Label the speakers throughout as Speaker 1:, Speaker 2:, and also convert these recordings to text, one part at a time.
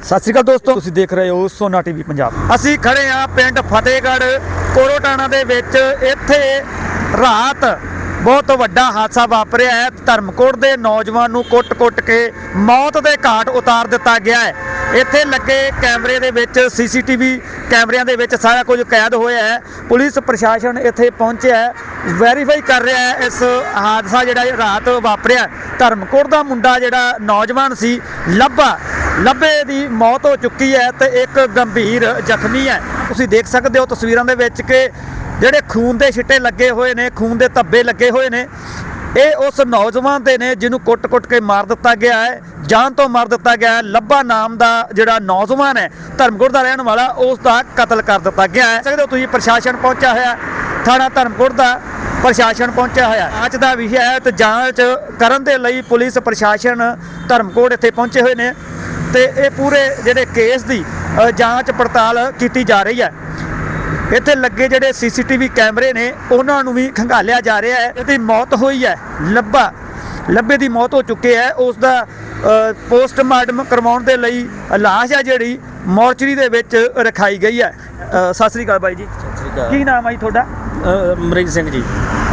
Speaker 1: ਸਤਿ ਸ਼੍ਰੀ ਅਕਾਲ ਦੋਸਤੋ, ਤੁਸੀਂ ਦੇਖ ਰਹੇ ਹੋ ਸੋਨਾ ਟੀਵੀ ਪੰਜਾਬ। ਅਸੀਂ ਖੜੇ ਆ ਪਿੰਡ ਫਤਿਹਗੜ੍ਹ ਕੋਰੋਟਾਣਾ ਦੇ ਵਿੱਚ। ਇੱਥੇ ਰਾਤ ਬਹੁਤ ਵੱਡਾ ਹਾਦਸਾ ਵਾਪਰਿਆ ਹੈ। ਧਰਮਕੋਟ ਦੇ ਨੌਜਵਾਨ ਨੂੰ ਕੁੱਟ-ਕੁੱਟ ਕੇ ਮੌਤ ਦੇ ਘਾਟ ਉਤਾਰ ਦਿੱਤਾ ਗਿਆ ਹੈ। ਇੱਥੇ ਲੱਗੇ ਕੈਮਰੇ ਦੇ ਵਿੱਚ ਸੀਸੀਟੀਵੀ ਕੈਮਰਿਆਂ ਦੇ ਵਿੱਚ ਸਾਰਾ ਕੁਝ ਕੈਦ ਹੋਇਆ ਹੈ। ਪੁਲਿਸ ਪ੍ਰਸ਼ਾਸਨ ਇੱਥੇ ਪਹੁੰਚਿਆ ਹੈ, ਵੈਰੀਫਾਈ ਕਰ ਰਿਹਾ ਹੈ ਇਸ ਹਾਦਸਾ ਜਿਹੜਾ ਰਾਤ ਵਾਪਰਿਆ। ਧਰਮਕੋਟ ਦਾ ਮੁੰਡਾ ਜਿਹੜਾ ਨੌਜਵਾਨ ਸੀ ਲੱਭੇ ਦੀ ਮੌਤ ਹੋ ਚੁੱਕੀ ਹੈ ਤੇ ਇੱਕ ਗੰਭੀਰ ਜ਼ਖਮੀ ਹੈ। ਤੁਸੀਂ ਦੇਖ ਸਕਦੇ ਹੋ ਤਸਵੀਰਾਂ ਦੇ ਵਿੱਚ ਕਿ ਜਿਹੜੇ ਖੂਨ ਦੇ ਛਿੱਟੇ ਲੱਗੇ ਹੋਏ ਨੇ, ਖੂਨ ਦੇ ਧੱਬੇ ਲੱਗੇ ਹੋਏ ਨੇ, ਇਹ ਉਸ ਨੌਜਵਾਨ ਦੇ ਨੇ ਜਿਹਨੂੰ ਕੁੱਟ-ਕੁੱਟ ਕੇ ਮਾਰ ਦਿੱਤਾ ਗਿਆ ਹੈ, ਜਾਨ ਤੋਂ ਮਾਰ ਦਿੱਤਾ ਗਿਆ ਹੈ। ਲੱਭਾ ਨਾਮ ਦਾ ਜਿਹੜਾ ਨੌਜਵਾਨ ਹੈ ਧਰਮਕੋਟ ਦਾ ਰਹਿਣ ਵਾਲਾ, ਉਸ ਦਾ ਕਤਲ ਕਰ ਦਿੱਤਾ ਗਿਆ ਹੈ। ਸਕਦੇ ਹੋ ਤੁਸੀਂ ਪ੍ਰਸ਼ਾਸਨ ਪਹੁੰਚਿਆ ਹੋਇਆ, ਥਾਣਾ ਧਰਮਕੋਟ ਦਾ ਪ੍ਰਸ਼ਾਸਨ ਪਹੁੰਚਿਆ ਹੋਇਆ। ਜਾਂਚ ਦਾ ਵਿਸ਼ਾ ਹੈ ਤੇ ਜਾਂਚ ਕਰਨ ਦੇ ਲਈ ਪੁਲਿਸ ਪ੍ਰਸ਼ਾਸਨ ਧਰਮਕੋਟ ਇੱਥੇ ਪਹੁੰਚੇ ਹੋਏ ਨੇ ਤੇ ਇਹ ਪੂਰੇ ਜਿਹੜੇ ਕੇਸ ਦੀ ਜਾਂਚ ਪੜਤਾਲ ਕੀਤੀ ਜਾ ਰਹੀ ਹੈ। ਇੱਥੇ ਲੱਗੇ ਜਿਹੜੇ ਸੀਸੀਟੀਵੀ ਕੈਮਰੇ ਨੇ ਉਹਨਾਂ ਨੂੰ ਵੀ ਖੰਗਾਲਿਆ ਜਾ ਰਿਹਾ ਹੈ। ਇਹਦੀ ਮੌਤ ਹੋਈ ਹੈ, ਲੱਭੇ ਦੀ ਮੌਤ ਹੋ ਚੁੱਕੀ ਹੈ। ਉਸ ਦਾ ਪੋਸਟਮਾਰਟਮ ਕਰਵਾਉਣ ਦੇ ਲਈ ਲਾਸ਼ ਹੈ ਜਿਹੜੀ ਮੋਰਚਰੀ ਦੇ ਵਿੱਚ ਰਖਾਈ ਗਈ ਹੈ। ਸਤਿ ਸ੍ਰੀ ਅਕਾਲ ਬਾਈ ਜੀ।
Speaker 2: ਸਤਿ ਸ੍ਰੀ ਅਕਾਲ।
Speaker 1: ਕੀ ਨਾਮ ਹੈ ਜੀ ਤੁਹਾਡਾ?
Speaker 2: ਅਮਰੀਕ ਸਿੰਘ ਜੀ।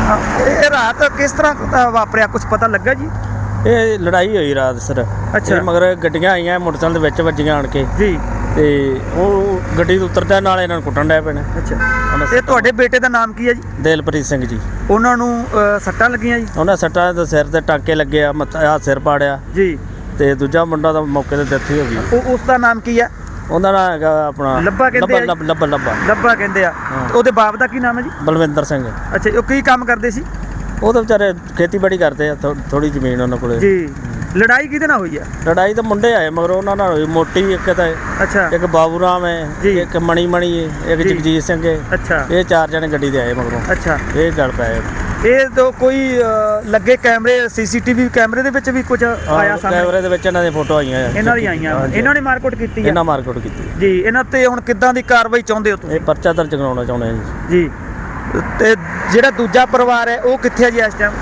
Speaker 1: ਇਹ ਰਾਤ ਕਿਸ ਤਰ੍ਹਾਂ ਵਾਪਰਿਆ, ਕੁਝ ਪਤਾ ਲੱਗਾ ਜੀ?
Speaker 2: ਇਹ ਲੜਾਈ ਹੋਈ ਰਾਤ ਸਰ।
Speaker 1: ਅੱਛਾ।
Speaker 2: ਮਗਰ ਗੱਡੀਆਂ ਆਈਆਂ ਮੋਟਰਸਾਈਕਲ ਦੇ ਵਿੱਚ ਵੱਜੀਆਂ ਆਣ ਕੇ
Speaker 1: ਜੀ।
Speaker 2: ਤੇ ਉਹ ਗੱਡੀ ਤੋਂ ਉਤਰਦਿਆਂ ਨਾਲ ਇਹਨਾਂ ਨੂੰ ਕੁੱਟਣ ਡਿਆ ਪਏ ਨੇ।
Speaker 1: ਅੱਛਾ। ਇਹ ਤੁਹਾਡੇ ਬੇਟੇ ਦਾ ਨਾਮ ਕੀ ਹੈ ਜੀ?
Speaker 2: ਦਿਲਪ੍ਰੀਤ ਸਿੰਘ ਜੀ।
Speaker 1: ਉਹਨਾਂ ਨੂੰ ਸੱਟਾਂ ਲੱਗੀਆਂ ਜੀ?
Speaker 2: ਉਹਨਾਂ ਸੱਟਾਂ ਦੇ ਸਿਰ ਤੇ ਟਾਂਕੇ ਲੱਗੇ ਆ, ਮੱਥਾ ਸਿਰ ਪਾੜਿਆ
Speaker 1: ਜੀ।
Speaker 2: ਤੇ ਦੂਜਾ ਮੁੰਡਾ ਤਾਂ ਮੌਕੇ ਤੇ ਡੈਥ ਹੀ ਹੋ ਗਈ।
Speaker 1: ਉਸ ਦਾ ਨਾਮ ਕੀ ਹੈ?
Speaker 2: ਉਹਦਾ ਨਾਮ ਹੈਗਾ ਆਪਣਾ
Speaker 1: ਲੱਭਾ ਕਹਿੰਦੇ ਆ? ਲੱਭਾ ਕਹਿੰਦੇ ਆ। ਉਹਦੇ ਬਾਪ ਦਾ ਕੀ ਨਾਮ ਹੈ ਜੀ?
Speaker 2: ਬਲਵਿੰਦਰ ਸਿੰਘ।
Speaker 1: ਅੱਛਾ। ਉਹ ਕੀ ਕੰਮ ਕਰਦੇ ਸੀ?
Speaker 2: ਉਹ ਤਾਂ ਵਿਚਾਰੇ ਖੇਤੀਬਾੜੀ ਕਰਦੇ ਆ, ਥੋੜੀ ਜ਼ਮੀਨ ਉਹਨਾਂ ਕੋਲੇ।
Speaker 1: ਜੀ। ਲੜਾਈ ਕਿਹਦੇ ਨਾਲ ਹੋਈ ਆ?
Speaker 2: ਲੜਾਈ ਤਾਂ ਮੁੰਡੇ ਆਏ ਮਗਰ ਉਹਨਾਂ ਨਾਲ ਹੋਈ। ਮੋਟੀ ਇੱਕ ਤਾਂ
Speaker 1: ਅੱਛਾ।
Speaker 2: ਇੱਕ ਬਾਬੂ ਰਾਮ ਹੈ, ਇੱਕ ਮਣੀ ਹੈ, ਇੱਕ ਜਗਜੀਤ ਸਿੰਘ ਹੈ।
Speaker 1: ਅੱਛਾ।
Speaker 2: ਇਹ ਚਾਰ ਜਣੇ ਗੱਡੀ ਤੇ ਆਏ ਮਗਰੋਂ।
Speaker 1: ਅੱਛਾ।
Speaker 2: ਇਹ ਗੱਲ ਪਏ।
Speaker 1: ਇਹ ਤੋਂ ਕੋਈ ਲੱਗੇ ਕੈਮਰੇ ਸੀਸੀਟੀਵੀ ਕੈਮਰੇ ਦੇ ਵਿੱਚ ਵੀ ਕੁਝ ਆਇਆ ਸਾਹਮਣੇ?
Speaker 2: ਕੈਮਰੇ ਦੇ ਵਿੱਚ ਇਹਨਾਂ ਦੀਆਂ ਫੋਟੋ ਆਈਆਂ।
Speaker 1: ਇਹਨਾਂ ਦੀਆਂ ਆਈਆਂ। ਇਹਨਾਂ ਨੇ ਮਾਰਕੁੱਟ ਕੀਤੀ ਹੈ?
Speaker 2: ਇਹਨਾਂ ਮਾਰਕੁੱਟ ਕੀਤੀ
Speaker 1: ਜੀ। ਇਹਨਾਂ ਤੇ ਹੁਣ ਕਿੱਦਾਂ ਦੀ ਕਾਰਵਾਈ ਚਾਹੁੰਦੇ ਹੋ ਤੁਸੀਂ?
Speaker 2: ਇਹ ਪਰਚਾ ਦਰਜ ਕਰਾਉਣਾ ਚਾਹੁੰਦੇ ਆ
Speaker 1: ਜੀ। ਤੇ ਜਿਹੜਾ ਦੂਜਾ ਪਰਿਵਾਰ ਹੈ ਉਹ ਕਿੱਥੇ ਹੈ ਜੀ ਇਸ ਟਾਈਮ?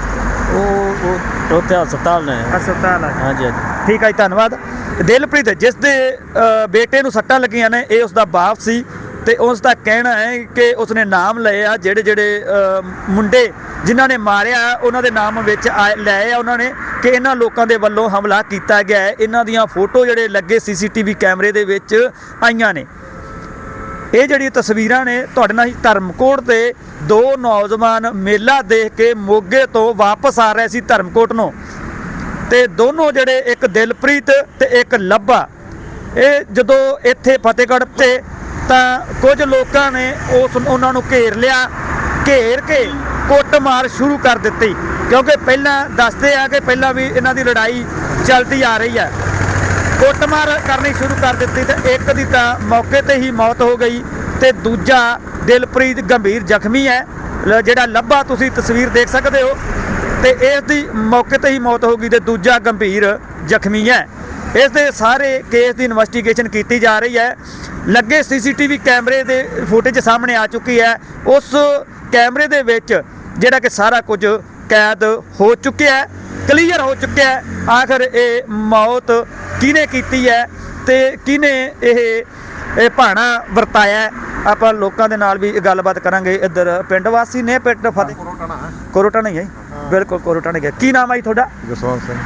Speaker 2: ਉਹ ਉੱਥੇ ਹਸਪਤਾਲ ਨੇ।
Speaker 1: ਹਸਪਤਾਲ ਹੈ।
Speaker 2: ਹਾਂਜੀ ਹਾਂਜੀ।
Speaker 1: ਠੀਕ ਹੈ ਜੀ, ਧੰਨਵਾਦ। ਦਿਲਪ੍ਰੀਤ ਜਿਸ ਦੇ ਬੇਟੇ ਨੂੰ ਸੱਟਾਂ ਲੱਗੀਆਂ ਨੇ, ਇਹ ਉਸਦਾ ਬਾਪ ਸੀ ਤੇ ਉਸ ਦਾ ਕਹਿਣਾ ਹੈ ਕਿ ਉਸਨੇ ਨਾਮ ਲਏ ਆ, ਜਿਹੜੇ ਮੁੰਡੇ ਜਿਨ੍ਹਾਂ ਨੇ ਮਾਰਿਆ ਉਹਨਾਂ ਦੇ ਨਾਮ ਵਿੱਚ ਲਏ ਆ ਉਹਨਾਂ ਨੇ, ਕਿ ਇਹਨਾਂ ਲੋਕਾਂ ਦੇ ਵੱਲੋਂ ਹਮਲਾ ਕੀਤਾ ਗਿਆ ਹੈ। ਇਹਨਾਂ ਦੀਆਂ ਫੋਟੋ ਜਿਹੜੇ ਲੱਗੇ ਸੀਸੀਟੀਵੀ ਕੈਮਰੇ ਦੇ ਵਿੱਚ ਆਈਆਂ ਨੇ। ਇਹ ਜਿਹੜੀ ਤਸਵੀਰਾਂ ਨੇ ਤੁਹਾਡੇ ਨਾਲ ਹੀ ਧਰਮਕੋਟ ਦੇ ਦੋ ਨੌਜਵਾਨ ਮੇਲਾ ਦੇਖ ਕੇ ਮੋਗੇ ਤੋਂ ਵਾਪਸ ਆ ਰਹੇ ਸੀ ਧਰਮਕੋਟ ਨੂੰ, ਤੇ ਦੋਨੋਂ ਜਿਹੜੇ ਇੱਕ ਦਿਲਪ੍ਰੀਤ ਤੇ ਇੱਕ ਲੱਭਾ, ਇਹ ਜਦੋਂ ਇੱਥੇ ਫਤਿਹਗੜ੍ਹ ਤੇ ਤਾਂ ਕੁਝ ਲੋਕਾਂ ਨੇ ਉਹਨਾਂ ਨੂੰ ਘੇਰ ਲਿਆ, ਘੇਰ ਕੇ ਕੁੱਟਮਾਰ ਸ਼ੁਰੂ ਕਰ ਦਿੱਤੀ। ਕਿਉਂਕਿ ਪਹਿਲਾਂ ਦੱਸਦੇ ਆ ਕਿ ਪਹਿਲਾਂ ਵੀ ਇਹਨਾਂ ਦੀ ਲੜਾਈ ਚੱਲਦੀ ਆ ਰਹੀ ਹੈ। ਕੁੱਟਮਾਰ ਕਰਨੀ ਸ਼ੁਰੂ ਕਰ ਦਿੱਤੀ ਤੇ ਇੱਕ ਦੀ ਤਾਂ ਮੌਕੇ ਤੇ ਹੀ ਮੌਤ ਹੋ ਗਈ ਤੇ ਦੂਜਾ ਦਿਲਪ੍ਰੀਤ ਗੰਭੀਰ ਜ਼ਖਮੀ ਹੈ। ਜਿਹੜਾ ਲੱਭਾ ਤੁਸੀਂ ਤਸਵੀਰ ਦੇਖ ਸਕਦੇ ਹੋ, ਤੇ ਇਸ ਦੀ ਮੌਕੇ ਤੇ ਹੀ ਮੌਤ ਹੋ ਗਈ ਤੇ ਦੂਜਾ ਗੰਭੀਰ ਜ਼ਖਮੀ ਹੈ। ਇਸ ਦੇ ਸਾਰੇ ਕੇਸ ਦੀ ਇਨਵੈਸਟੀਗੇਸ਼ਨ ਕੀਤੀ ਜਾ ਰਹੀ ਹੈ। ਲੱਗੇ ਸੀਸੀਟੀਵੀ ਕੈਮਰੇ ਦੇ ਫੁਟੇਜ ਸਾਹਮਣੇ ਆ ਚੁੱਕੀ ਹੈ। ਉਸ ਕੈਮਰੇ ਦੇ ਵਿੱਚ ਜਿਹੜਾ ਕਿ ਸਾਰਾ ਕੁਝ ਕੈਦ ਹੋ ਚੁੱਕਿਆ ਹੈ, ਕਲੀਅਰ ਹੋ ਚੁੱਕਿਆ ਹੈ। ਆਖਰ ਇਹ ਮੌਤ ਕਿਹਨੇ ਕੀਤੀ ਹੈ ਤੇ ਕਿਹਨੇ ਇਹ ਭਾਣਾ ਵਰਤਾਇਆ ਹੈ, ਆਪਾਂ ਲੋਕਾਂ ਦੇ ਨਾਲ ਵੀ ਗੱਲਬਾਤ ਕਰਾਂਗੇ। ਇੱਧਰ ਪਿੰਡ ਵਾਸੀ ਨੇ, ਪਿੰਡ ਫਤਿਹ ਕੋਰੋਟਾਣਾ ਹੀ ਹੈ। ਬਿਲਕੁਲ ਕੋਰੋਟਾਣਾ ਗਿਆ। ਕੀ ਨਾਮ ਹੈ ਜੀ ਤੁਹਾਡਾ?
Speaker 3: ਜਸਵੰਤ ਸਿੰਘ।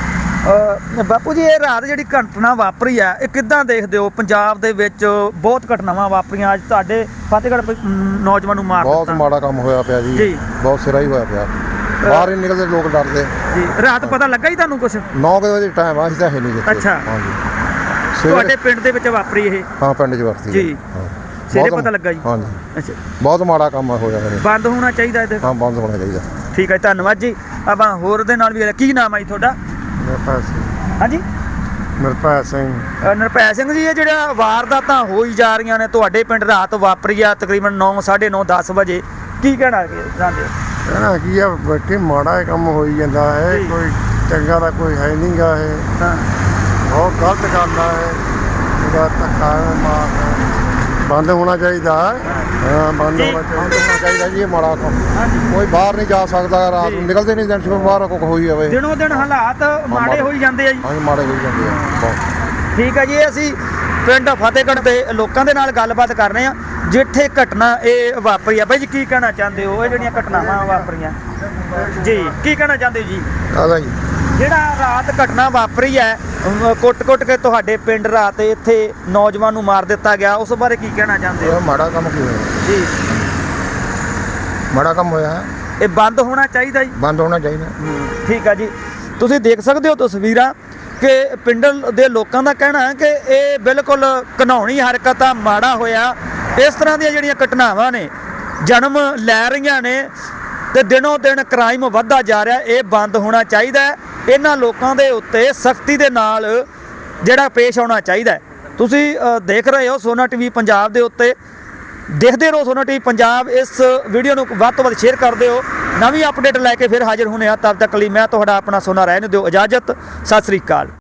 Speaker 1: ਬਾਪੂ ਜੀ, ਇਹ ਰਾਤ ਜਿਹੜੀ ਘਟਨਾ ਵਾਪਰੀ ਹੈ ਇਹ ਕਿੱਦਾਂ ਦੇਖਦੇ ਹੋ? ਪੰਜਾਬ ਦੇ ਵਿੱਚ ਬਹੁਤ ਘਟਨਾਵਾਂ ਵਾਪਰੀਆਂ, ਅੱਜ ਤੁਹਾਡੇ ਫਤਿਹਗੜ੍ਹ ਨੌਜਵਾਨ ਨੂੰ ਮਾਰ ਦਿੱਤਾ।
Speaker 3: ਬਹੁਤ ਮਾੜਾ ਕੰਮ ਹੋਇਆ ਪਿਆ ਜੀ। ਬਹੁਤ ਸਿਰਾ ਹੀ ਹੋਇਆ ਪਿਆ। ਬਾਹਰ ਹੀ ਨਿਕਲਦੇ ਲੋਕ ਡਰਦੇ
Speaker 1: ਜੀ। ਰਾਤ ਪਤਾ ਲੱਗਾ ਹੀ ਤੁਹਾਨੂੰ ਕੁਝ?
Speaker 3: 9 ਵਜੇ ਟਾਈਮ ਆ, ਅਸੀਂ ਤਾਂ ਹੈ ਨਹੀਂ ਜਿੱਥੇ।
Speaker 1: ਅੱਛਾ।
Speaker 3: ਹਾਂਜੀ।
Speaker 1: ਤੁਹਾਡੇ ਪਿੰਡ ਦੇ ਵਿੱਚ ਵਾਪਰੀ ਇਹ?
Speaker 3: ਹਾਂ, ਪਿੰਡ 'ਚ ਵਰਤੀ
Speaker 1: ਜੀ। ਸਵੇਰੇ ਪਤਾ ਲੱਗਾ ਜੀ?
Speaker 3: ਹਾਂਜੀ।
Speaker 1: ਅੱਛਾ।
Speaker 3: ਬਹੁਤ ਮਾੜਾ ਕੰਮ ਹੋਇਆ ਮੇਰੇ।
Speaker 1: ਬੰਦ ਹੋਣਾ ਚਾਹੀਦਾ ਇਹਦੇ?
Speaker 3: ਹਾਂ, ਬੰਦ ਹੋਣਾ ਚਾਹੀਦਾ।
Speaker 1: ਠੀਕ ਹੈ, ਧੰਨਵਾਦ ਜੀ। ਆਪਾਂ ਹੋਰ ਦੇ ਨਾਲ ਵੀ। ਕੀ ਨਾਮ ਹੈ ਜੀ ਤੁਹਾਡਾ?
Speaker 3: ਨਿਰਭੈ ਸਿੰਘ।
Speaker 1: ਹਾਂਜੀ।
Speaker 3: ਨਿਰਭੈ ਸਿੰਘ।
Speaker 1: ਨਿਰਭੈ ਸਿੰਘ ਜੀ, ਇਹ ਜਿਹੜਾ ਵਾਰਦਾਤਾਂ ਹੋਈ ਜਾ ਰਹੀਆਂ ਨੇ ਤੁਹਾਡੇ ਪਿੰਡ ਰਾਤ ਵਾਪਰੀ ਆ ਤਕਰੀਬਨ 9, 9:30, 10 ਵਜੇ, ਕੀ ਕਹਿਣਾ ਚਾਹੁੰਦੇ ਹੋ?
Speaker 3: ਕਹਿਣਾ ਕੀ ਆ, ਬਾਕੀ ਮਾੜਾ ਕੰਮ ਹੋਈ ਜਾਂਦਾ ਹੈ। ਕੋਈ ਚੰਗਾ ਤਾਂ ਕੋਈ ਹੈ ਨਹੀਂ ਗਾ। ਇਹ
Speaker 1: ਹਾਂ,
Speaker 3: ਬਹੁਤ ਗਲਤ ਗੱਲ ਆ। ਇਹਦਾ ਧੱਕਾ ਮਾਰ ਬੰਦ ਹੋਣਾ ਚਾਹੀਦਾ। ਹਾਂ, ਬੰਦ ਹੋਣਾ ਚਾਹੀਦਾ ਜੀ। ਇਹ ਮਾੜਾ ਕੰਮ, ਕੋਈ ਬਾਹਰ ਨਹੀਂ ਜਾ ਸਕਦਾ, ਰਾਤ ਨੂੰ ਨਿਕਲਦੇ ਨਹੀਂ, ਦਿਨ ਚ ਬਾਹਰ ਕੁਝ ਹੋਈ ਜਾਵੇ।
Speaker 1: ਦਿਨੋਂ ਦਿਨ ਹਾਲਾਤ ਮਾੜੇ ਹੋਈ ਜਾਂਦੇ ਆ ਜੀ।
Speaker 3: ਹਾਂਜੀ, ਮਾੜੇ ਹੋਈ ਜਾਂਦੇ ਆ ਬਹੁਤ।
Speaker 1: ਠੀਕ ਹੈ ਜੀ। ਅਸੀਂ ਪਿੰਡ ਫਤਿਹਗੜ੍ਹ ਦੇ ਲੋਕਾਂ ਦੇ ਨਾਲ ਗੱਲਬਾਤ ਕਰ ਰਹੇ ਆ ਜਿੱਥੇ ਘਟਨਾ ਇਹ ਵਾਪਰੀ ਆ। ਬਾਈ ਜੀ ਕੀ ਕਹਿਣਾ ਚਾਹੁੰਦੇ ਹੋ, ਇਹ ਜਿਹੜੀਆਂ ਘਟਨਾਵਾਂ ਵਾਪਰੀਆਂ ਜੀ ਕੀ ਕਹਿਣਾ ਚਾਹੁੰਦੇ ਹੋ ਜੀ?
Speaker 3: ਆਦਾ ਜੀ
Speaker 1: ਜਿਹੜਾ ਰਾਤ ਘਟਨਾ ਵਾਪਰੀ ਹੈ ਕੁੱਟ-ਕੁੱਟ ਕੇ ਤੁਹਾਡੇ ਪਿੰਡ ਰਾਤ ਇੱਥੇ ਨੌਜਵਾਨ ਨੂੰ ਮਾਰ ਦਿੱਤਾ ਗਿਆ, ਉਸ ਬਾਰੇ ਕੀ ਕਹਿਣਾ ਚਾਹੁੰਦੇ ਹੋ?
Speaker 3: ਇਹ ਮਾੜਾ ਕੰਮ ਕੀ ਹੋਇਆ
Speaker 1: ਜੀ
Speaker 3: ਮਾੜਾ ਕੰਮ ਹੋਇਆ
Speaker 1: ਇਹ ਬੰਦ ਹੋਣਾ ਚਾਹੀਦਾ ਜੀ।
Speaker 3: ਬੰਦ ਹੋਣਾ ਚਾਹੀਦਾ
Speaker 1: ਠੀਕ ਆ ਜੀ, ਤੁਸੀਂ ਦੇਖ ਸਕਦੇ ਹੋ ਤਸਵੀਰਾਂ ਕਿ ਪਿੰਡ ਦੇ ਲੋਕਾਂ ਦਾ ਕਹਿਣਾ ਹੈ ਕਿ ਇਹ ਬਿਲਕੁਲ ਘਿਨਾਉਣੀ ਹਰਕਤ ਆ, ਮਾੜਾ ਹੋਇਆ। ਇਸ ਤਰ੍ਹਾਂ ਦੀਆਂ ਜਿਹੜੀਆਂ ਘਟਨਾਵਾਂ ਨੇ ਜਨਮ ਲੈ ਰਹੀਆਂ ਨੇ ਤੇ ਦਿਨੋਂ ਦਿਨ ਕ੍ਰਾਈਮ ਵੱਧਦਾ ਜਾ ਰਿਹਾ, ਇਹ ਬੰਦ ਹੋਣਾ ਚਾਹੀਦਾ ਹੈ। ਇਹਨਾਂ ਲੋਕਾਂ ਦੇ ਉੱਤੇ ਸਖਤੀ ਦੇ ਨਾਲ ਜਿਹੜਾ ਪੇਸ਼ ਆਉਣਾ ਚਾਹੀਦਾ ਹੈ। ਤੁਸੀਂ ਦੇਖ ਰਹੇ ਹੋ ਸੋਨਾ ਟੀਵੀ ਪੰਜਾਬ ਦੇ ਉੱਤੇ, ਦੇਖਦੇ ਰਹੋ ਸੋਨਾ ਟੀਵੀ ਪੰਜਾਬ। ਇਸ ਵੀਡੀਓ ਨੂੰ ਵੱਧ ਤੋਂ ਵੱਧ ਸ਼ੇਅਰ ਕਰ ਦਿਓ। ਨਵੀਂ ਅਪਡੇਟ ਲੈ ਕੇ ਫਿਰ ਹਾਜ਼ਰ ਹੋਣੇ ਆ, ਤਦ ਤੱਕ ਲਈ ਮੈਂ ਤੁਹਾਡਾ ਆਪਣਾ ਸੋਨਾ ਰਹਿਣ ਦਿਓ ਇਜਾਜ਼ਤ। ਸਤਿ ਸ੍ਰੀ ਅਕਾਲ।